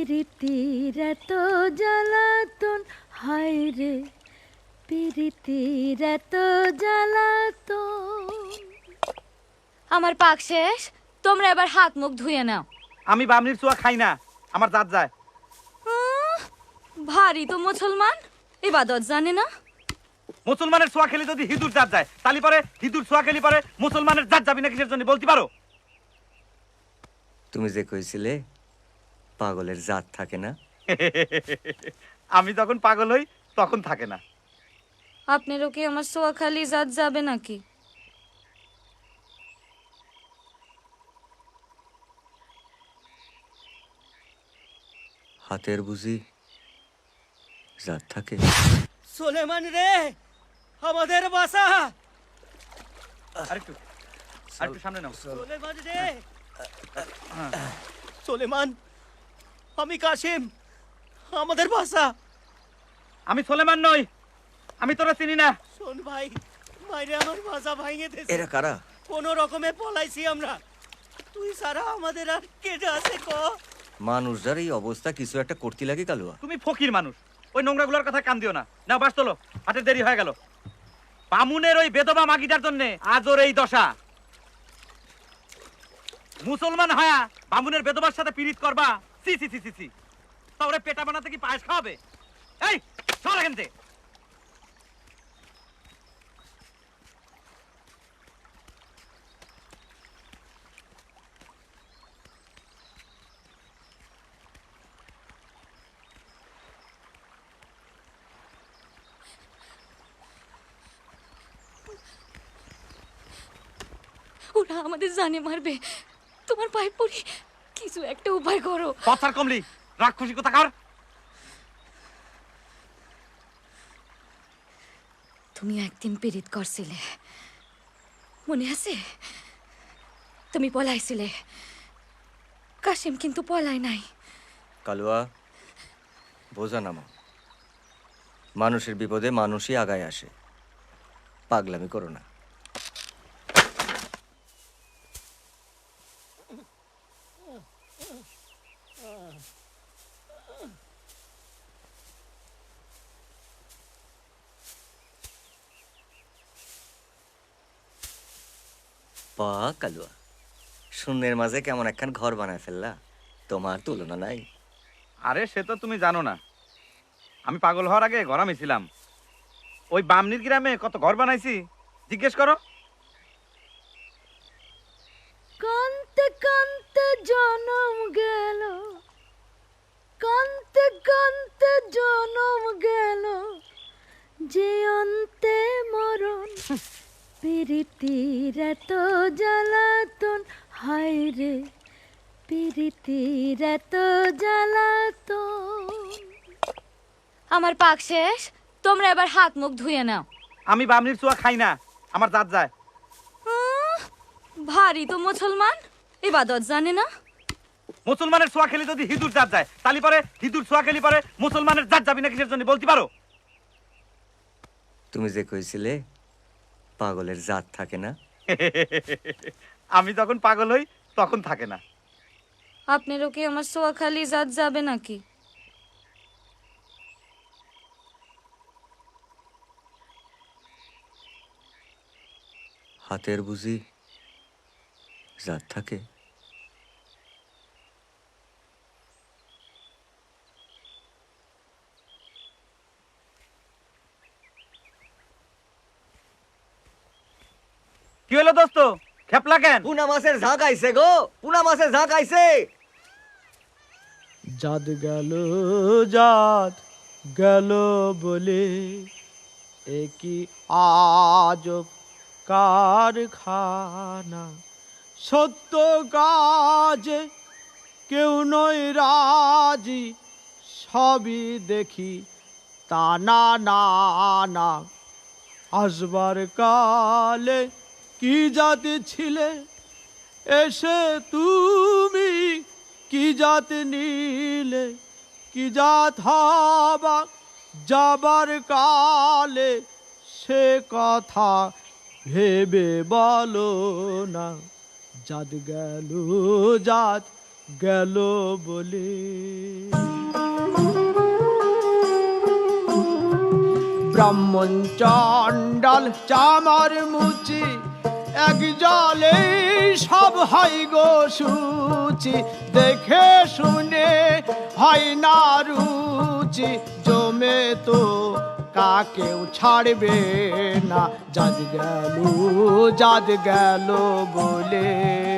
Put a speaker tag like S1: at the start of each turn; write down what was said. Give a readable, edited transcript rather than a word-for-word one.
S1: পিরিতির এত জ্বালাতন হায় রে, পিরিতির এত জ্বালাতন।
S2: আমার পাক শেষ, তোমরা এবার হাত মুখ ধুয়ে নাও।
S3: আমি বামনির চুয়া খাই না, আমার জাত যায়।
S2: ভারী তো মুসলমান, ইবাদত জানে না।
S3: মুসলমানের ছোঁয়া খেলে যদি হিঁদুর জাত যায়, তালি পরে হিঁদুর ছোঁয়া খেলি পরে মুসলমানের জাত যাবি না কিসের জন্য বলতে পারো?
S4: তুমি যে কইছিলে পাগলের জাত থাকে না,
S3: আমি যখন পাগল হই তখন থাকে না।
S2: আপনারও কি আমার সোয়াখালি জাত যাবে নাকি?
S4: হাতের বুঝি জাত থাকে?
S5: সোলেমান রে, আমাদের বাসা।
S3: আরেকটু সামনে নাও।
S5: সোলেমান রে, সোলেমান, আমি কাশিম, আমাদের বাসা।
S3: আমি সোলেমান নই, আমি তোরা চিনি না।
S5: শোন ভাই, মাইরে আমার বাসা ভাঙে দিয়েছে।
S4: এরা কারা?
S5: কোন রকমে পলাইছি আমরা। তুই সারা আমাদের আর কে আছে ক?
S4: মানুষটার এই অবস্থা কিছু একটা করতে লাগে কালুয়া।
S3: তুমি ফকির মানুষ, ওই নোংরাগুলোর কথা কান দিও না। না বাস তোলো, হাতের দেরি হয়ে গেল। বামুনের ওই বেদবা মাগিটার জন্য আজ ওর এই দশা। মুসলমান হয়া বামুনের বেদবার সাথে পীড়িত করবা? সি সি সি সি সি। তা ওরে পেটা বানাতে কি পায়েস খাওয়াবে? এই সর এখান থেকে।
S2: ওরা আমাদের জানে মারবে, তোমার পায়ে পড়ি, কিছু একটা উপায় করো।
S3: পথার কমলি, রাক্ষসী কোথাকার।
S2: তুমি একদিন পীড়িত করছিলে, মনে আছে? তুমি পলাইছিলে, কাশিম কিন্তু পলায় নাই।
S4: কালুয়া, বোঝা নামা। মানুষের বিপদে মানুষই আগায় আসে, পাগলামি করো না। পা কালুয়া, শূন্যের মাঝে কেমন একখান ঘর বানায় ফেললা, তোমার তুলনা নাই।
S3: আরে সে তো তুমি জানো না, আমি পাগল হওয়ার আগে ঘর ছিলাম। ওই বামনির গ্রামে কত ঘর বানাইছি জিজ্ঞেস করো।
S1: কান্তে কান্তে জনম গেল, কান্তে কান্তে জনম গেল, যে অন্তে মরণ। পিরিতির এত জ্বালাতন হায় রে, পিরিতির এত জ্বালাতন।
S2: আমার পাক শেষ, তোমরা এবার হাত মুখ ধুয়ে নাও।
S3: আমি বামনির চুয়া খাই না, আমার জাত যায়।
S2: ভারী তো মুসলমান, ইবাদত জানে না।
S3: মুসলমানের ছোঁয়া খেলে যদি হিঁদুর জাত যায়, তালি পরে হিঁদুর ছোঁয়া খেলি পরে মুসলমানের জাত যাবি না কিসের জন্য বলতে পারো?
S4: তুমি যে কইছিলে পাগলের জাত থাকে না,
S3: আমি যখন পাগল হই তখন থাকে না।
S2: আপনারও কি আমার সোয়াখালি জাত যাবে নাকি?
S4: হাতের বুঝি জাত থাকে?
S3: কি হলো দোস্ত, খেপলা কেন?
S4: পুনা মাছের ঝাঁক আইছে গো, পুনা মাছের ঝাঁক আইছে।
S5: জাত গেল, জাত গেল বলে একই আজব কারখানা। সত্য কাজে কেউ নয় রাজি, সবই দেখি তা না না না। আসবার কালে কি জাতি ছিলে, এসে তুমি কি জাত নিলে। কি জাত হবা যাবার কালে, সে কথা ভেবে বলো না। জাত গেল, জাত
S6: গেল বলে। ব্রাহ্মণ চণ্ডাল চামার মুচি এক জলে সব হয় গো সূচি, দেখে শুনে হয় না রুচি, জমে তো কাকেও ছাড়বে না, জাত গেল বলে।